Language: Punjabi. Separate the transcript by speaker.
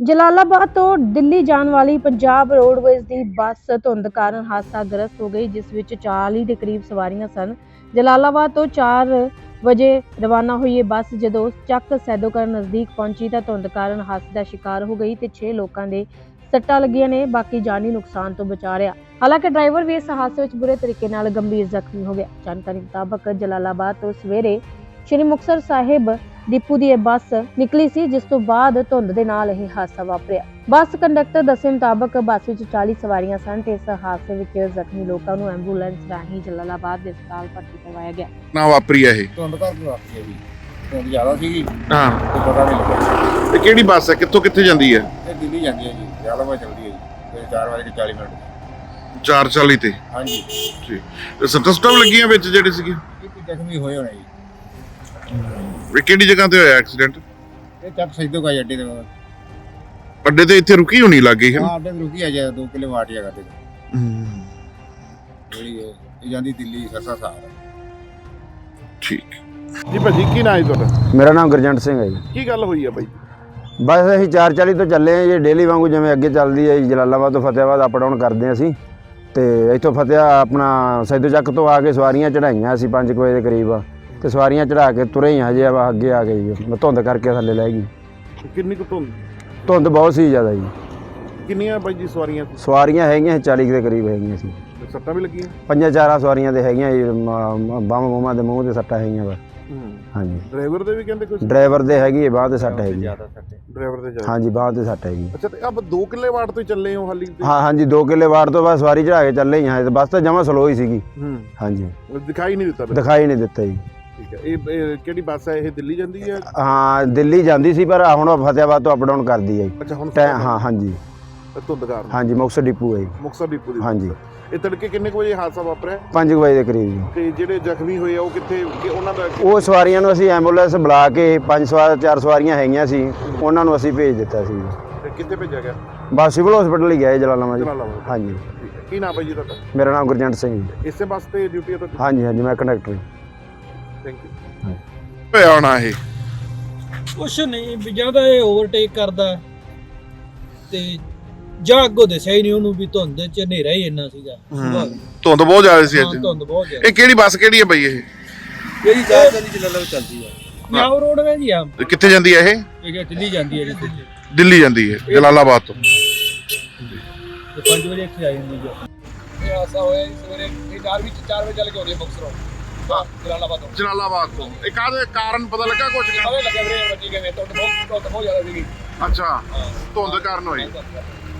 Speaker 1: ਜਲਾਲਾਬਾਦ ਤੋਂ ਦਿੱਲੀ ਜਾਣ ਵਾਲੀ ਪੰਜਾਬ ਰੋਡਵੇਜ਼ ਦੀ ਬੱਸ ਧੁੰਦ ਕਾਰਨ ਹਾਦਸਾਗ੍ਰਸਤ ਹੋ ਗਈ, ਜਿਸ ਵਿੱਚ 40 ਦੇ ਕਰੀਬ ਸਵਾਰੀਆਂ ਸਨ। ਜਲਾਲਾਬਾਦ ਤੋਂ 4 ਵਜੇ ਰਵਾਨਾ ਹੋਈ ਇਹ ਬੱਸ ਜਦੋਂ ਚੱਕ ਸੈਦੋਕਰ ਨਜ਼ਦੀਕ ਪਹੁੰਚੀ ਤਾਂ ਧੁੰਦ ਕਾਰਨ ਹਾਦਸੇ ਦਾ ਸ਼ਿਕਾਰ ਹੋ ਗਈ ਤੇ 6 ਲੋਕਾਂ ਦੇ ਸੱਟਾਂ ਲੱਗੀਆਂ ਨੇ, ਬਾਕੀ ਜਾਨੀ ਨੁਕਸਾਨ ਤੋਂ ਬਚਾ ਰਿਹਾ। ਹਾਲਾਂਕਿ ਡਰਾਈਵਰ ਵੀ ਇਸ ਹਾਦਸੇ ਵਿੱਚ ਬੁਰੇ ਤਰੀਕੇ ਨਾਲ ਗੰਭੀਰ ਜ਼ਖਮੀ ਹੋ ਗਿਆ। ਜਾਣਕਾਰੀ ਮੁਤਾਬਕ ਜਲਾਲਾਬਾਦ ਤੋਂ ਸਵੇਰੇ ਸ਼੍ਰੀ ਮੁਕਤਸਰ ਸਾਹਿਬ ਡਿਪੂ ਦੀ ਇਹ ਬੱਸ ਨਿਕਲੀ ਸੀ, ਜਿਸ ਤੋਂ ਬਾਅਦ ਧੁੰਦ ਦੇ ਨਾਲ ਇਹ ਹਾਦਸਾ ਵਾਪਰਿਆ। ਬੱਸ ਕੰਡਕਟਰ ਦੱਸੇ ਮੁਤਾਬਕ ਬੱਸ ਵਿੱਚ 40 ਸਵਾਰੀਆਂ ਸਨ ਤੇ ਇਸ ਹਾਦਸੇ ਵਿੱਚ ਜ਼ਖਮੀ ਲੋਕਾਂ ਨੂੰ ਐਂਬੂਲੈਂਸ ਰਾਹੀਂ ਜਲਾਲਾਬਾਦ ਦੇ ਹਸਪਤਾਲ ਭਰਤੀ ਕਰਵਾਇਆ ਗਿਆ।
Speaker 2: ਨਾ ਵਾਪਰੀ ਆ ਇਹ
Speaker 3: ਧੁੰਦ ਕਰਕੇ ਵਾਪਰੀ ਆ ਜੀ। ਧੁੰਦ ਜ਼ਿਆਦਾ ਸੀਗੀ
Speaker 2: ਹਾਂ
Speaker 3: ਤੇ ਪਤਾ ਨਹੀਂ ਲੱਗਾ।
Speaker 2: ਤੇ ਕਿਹੜੀ ਬੱਸ ਹੈ, ਕਿੱਥੋਂ ਕਿੱਥੇ ਜਾਂਦੀ ਹੈ?
Speaker 3: ਇਹ ਦਿੱਲੀ ਜਾਂਦੀ ਹੈ ਜੀ, ਜਲਾਲਾਬਾਦ ਚੱਲਦੀ ਹੈ ਜੀ। 4:40 ਮਿੰਟ
Speaker 2: 4:40 ਤੇ।
Speaker 3: ਹਾਂਜੀ।
Speaker 2: ਠੀਕ ਤੇ ਸੱਟਾਂ ਸੁੱਟਾਂ ਵੀ ਲੱਗੀਆਂ ਵਿੱਚ ਜਿਹੜੇ ਸੀਗੇ?
Speaker 3: ਇਹ ਜ਼ਖਮੀ ਹੋਏ ਹੋਣੇ ਜੀ।
Speaker 2: ਇਹ ਕਿਹੜੀ ਜਗ੍ਹਾ ਤੇ ਹੋਇਆ ਐਕਸੀਡੈਂਟ?
Speaker 3: ਇਹ ਚੱਕ ਸੈਦੋਕਰ ਅੱਡੇ ਤੇ
Speaker 2: ਅੱਡੇ ਤੇ ਇੱਥੇ ਰੁਕੀ ਹੋਣੀ ਲੱਗ ਗਈ ਹੈ।
Speaker 3: ਹਾਂ, ਅੱਡੇ ਤੇ ਰੁਕੀ ਆ ਜਾ 2 ਕਿਲੇ ਵਾਟ ਜਗ੍ਹਾ ਤੇ ਜਿਹੜੀ ਇਹ ਜਾਂਦੀ ਦਿੱਲੀ ਸਰਸਾ ਸਾਰ।
Speaker 2: ਠੀਕ ਜੀ ਭਾਜੀ, ਕੀ ਨਾਂ ਹੈ ਤੁਹਾਡਾ?
Speaker 4: ਮੇਰਾ ਨਾਮ ਗੁਰਜੰਟ ਸਿੰਘ ਹੈ ਜੀ।
Speaker 2: ਕੀ ਗੱਲ ਹੋਈ ਆ ਬਾਈ?
Speaker 4: ਬਸ ਅਸੀਂ 4:40 ਤੋਂ ਚੱਲੇ ਹਾਂ ਜੀ, ਡੇਲੀ ਵਾਂਗੂ ਜਿਵੇਂ ਅੱਗੇ ਚੱਲਦੀ ਹੈ ਜੀ। ਜਲਾਲਾਬਾਦ ਤੋਂ ਫਤਿਆਬਾਦ ਅਪ ਡਾਊਨ ਕਰਦੇ ਹਾਂ ਅਸੀਂ, ਤੇ ਇੱਥੋਂ ਆਪਣਾ ਸੈਦੋ ਚੱਕ ਤੋਂ ਆ ਕੇ ਸਵਾਰੀਆਂ ਚੜਾਈਆਂ ਅਸੀਂ 5 ਵਜੇ ਦੇ ਕਰੀਬ, ਤੇ ਸਵਾਰੀਆਂ ਚੜਾ ਕੇ ਤੁਰੇ ਹੀ ਹਜੇ ਅੱਗੇ ਆ ਗਈ ਜੀ। ਧੁੰਦ ਕਰਕੇ ਥੱਲੇ ਲੈ ਗਈ।
Speaker 2: ਕਿੰਨੀ ਕੁ ਧੁੰਦ?
Speaker 4: ਧੁੰਦ ਬਹੁਤ ਸੀ ਜ਼ਿਆਦਾ ਜੀ।
Speaker 2: ਕਿੰਨੀਆਂ ਬਾਈ ਜੀ ਸਵਾਰੀਆਂ?
Speaker 4: ਸਵਾਰੀਆਂ ਹੈਗੀਆਂ 40 ਦੇ ਕਰੀਬ ਹੈਗੀਆਂ ਸੀ।
Speaker 2: ਸੱਟਾਂ ਵੀ ਲੱਗੀਆਂ?
Speaker 4: 5-4 ਸਵਾਰੀਆਂ ਦੇ ਹੈਗੀਆਂ ਜੀ, ਬਾਹਾਂ ਬੂਹਾਂ ਦੇ ਮੂੰਹ ਤੇ ਸੱਟਾਂ ਹੈਗੀਆਂ ਵਾ। ਹਾਂਜੀ।
Speaker 2: ਡਰਾਈਵਰ ਦੇ ਵੀ ਕਹਿੰਦੇ ਕੁਝ?
Speaker 4: ਡਰਾਈਵਰ ਦੇ ਹੈਗੀ ਹੈ, ਬਾਂਹ ਤੇ ਸੱਟ ਹੈਗੀ।
Speaker 2: ਡਰਾਈਵਰ ਦੇ ਜ਼ਿਆਦਾ?
Speaker 4: ਹਾਂਜੀ, ਬਾਂਹ ਤੇ ਸੱਟ ਹੈਗੀ।
Speaker 2: ਅੱਛਾ, ਤੇ ਆਪ 2 ਕਿਲੇ ਵਾਟ ਤੋਂ ਹੀ ਚੱਲੇ ਹੋ ਹਾਲੀ?
Speaker 4: ਹਾਂ ਹਾਂਜੀ, 2 ਕਿਲੇ ਵਾਰ ਤੋਂ ਬਾਅਦ ਸਵਾਰੀ ਚੜਾ ਕੇ ਚੱਲੇ ਹੀ ਹਾਂ। ਤੇ ਬੱਸ ਤਾਂ ਜਮਾਂ ਸਲੋ ਹੀ ਸੀਗੀ। ਹਾਂਜੀ,
Speaker 2: ਦਿਖਾਈ ਨਹੀਂ ਦਿੱਤਾ?
Speaker 4: ਦਿਖਾਈ ਨਹੀਂ ਦਿੱਤਾ ਜੀ।
Speaker 2: ਠੀਕ ਹੈ। ਇਹ ਕਿਹੜੀ ਬੱਸ ਹੈ? ਇਹ ਦਿੱਲੀ ਜਾਂਦੀ ਹੈ?
Speaker 4: ਹਾਂ, ਦਿੱਲੀ ਜਾਂਦੀ ਸੀ, ਪਰ ਹੁਣ ਫਤਿਆਬਾਦ ਤੋਂ ਅਪ ਡਾਊਨ ਕਰਦੀ ਹੈ ਜੀ।
Speaker 2: ਅੱਛਾ, ਹੁਣ
Speaker 4: ਹਾਂ ਹਾਂਜੀ
Speaker 2: ਧੁੰਦ ਕਾਰਨ?
Speaker 4: ਹਾਂਜੀ, ਮੁਕਤਸਰ ਡਿਪੂ ਹੈ ਜੀ।
Speaker 2: ਮੁਕਤਸਰ ਡਿਪੂ ਦੀ?
Speaker 4: ਹਾਂਜੀ।
Speaker 2: ਇਹ ਤੜਕੇ ਕਿੰਨੇ ਕੁ ਵਜੇ ਹਾਦਸਾ ਵਾਪਰਿਆ?
Speaker 4: 5 ਵਜੇ ਦੇ ਕਰੀਬ ਜੀ।
Speaker 2: ਤੇ ਜਿਹੜੇ ਜ਼ਖਮੀ ਹੋਏ ਆ ਉਹ ਕਿੱਥੇ? ਕਿ ਉਹਨਾਂ ਦਾ
Speaker 4: ਉਹ ਸਵਾਰੀਆਂ ਨੂੰ ਅਸੀਂ ਐਂਬੂਲੈਂਸ ਬੁਲਾ ਕੇ 4 ਸਵਾਰੀਆਂ ਹੈਗੀਆਂ ਸੀ, ਉਹਨਾਂ ਨੂੰ ਅਸੀਂ ਭੇਜ ਦਿੱਤਾ ਸੀ।
Speaker 2: ਤੇ ਕਿੱਥੇ ਭੇਜਿਆ ਗਿਆ?
Speaker 4: ਬਸ ਸਿਵਲ ਹਸਪੀਟਲ ਹੀ ਗਏ ਜਲਾਲਾਬਾਦ ਜੀ।
Speaker 2: ਜਲਾਲਾਬਾਦ।
Speaker 4: ਹਾਂਜੀ।
Speaker 2: ਠੀਕ ਹੈ। ਕੀ ਨਾਮ ਹੈ ਜੀ ਤੁਹਾਡਾ?
Speaker 4: ਮੇਰਾ ਨਾਮ ਗੁਰਜੰਟ ਸਿੰਘ ਜੀ।
Speaker 2: ਇਸੇ ਬੱਸ ਤੇ ਡਿਊਟੀ ਹੈ ਤੁਹਾਡੀ?
Speaker 4: ਹਾਂਜੀ ਹਾਂਜੀ, ਮੈਂ ਕੰਡਕਟਰ ਜੀ।
Speaker 2: Thank you. ਹੋਇਆ ਹੋਣਾ ਇਹ
Speaker 5: ਕੁਛ ਨਹੀਂ ਵੀ ਜਾਂ ਤਾਂ ਇਹ ਓਵਰਟੇਕ ਕਰਦਾ ਤੇ ਜਾਂ ਅੱਗੋਂ ਦੱਸਿਆ ਹੀ ਨਹੀਂ ਉਹਨੂੰ ਵੀ ਧੁੰਦ ਚ ਹਨੇਰਾ ਹੀ ਇੰਨਾ ਸੀਗਾ।
Speaker 2: ਧੁੰਦ ਬਹੁਤ ਜ਼ਿਆਦਾ ਸੀ ਅੱਜ?
Speaker 5: ਧੁੰਦ ਬਹੁਤ ਜ਼ਿਆਦਾ।
Speaker 2: ਇਹ ਕਿਹੜੀ ਬੱਸ ਕਿਹੜੀ ਹੈ ਬਾਈ? ਇਹ
Speaker 5: ਜਿਹੜੀ ਜ਼ਿਆਦਾ ਜਲਾਲਾਬਾਦ ਚੱਲਦੀ ਆ। ਨਿਆਉ ਰੋਡ ਵੇ ਜੀ ਆ।
Speaker 2: ਕਿੱਥੇ ਜਾਂਦੀ ਹੈ ਇਹ?
Speaker 5: ਇਹ ਦਿੱਲੀ ਜਾਂਦੀ ਹੈ ਜੀ।
Speaker 2: ਦਿੱਲੀ ਜਾਂਦੀ ਹੈ ਜਲਾਲਾਬਾਦ ਤੋਂ।
Speaker 5: ਤੇ 5 ਵਜੇ ਇੱਥੇ ਆ ਜਾਂਦੀ ਜੀ। ਇਹ ਹਾਸਾ ਹੋਇਆ ਜੀ ਸਵੇਰੇ। ਇਹ 4 ਵਜੇ ਚੱਲ ਕੇ ਆਉਂਦੀ ਹੈ ਮੁਕਤਸਰੋਂ ਜਲਾਲਾਬਾਦ ਤੋਂ।
Speaker 2: ਜਲਾਲਾਬਾਦ ਤੋਂ। ਇਹ ਕਾਹਦੇ ਕਾਰਨ ਪਤਾ ਲੱਗਾ ਕੁਝ?
Speaker 5: ਸਾਰੇ ਲੱਗੇ ਵੀਰੇ ਬੱਜੀ ਕਿਵੇਂ ਧੁੰਦ ਬਹੁਤ ਜ਼ਿਆਦਾ ਸੀਗੀ।
Speaker 2: ਅੱਛਾ, ਧੁੰਦ ਕਾਰਨ ਹੋਈ।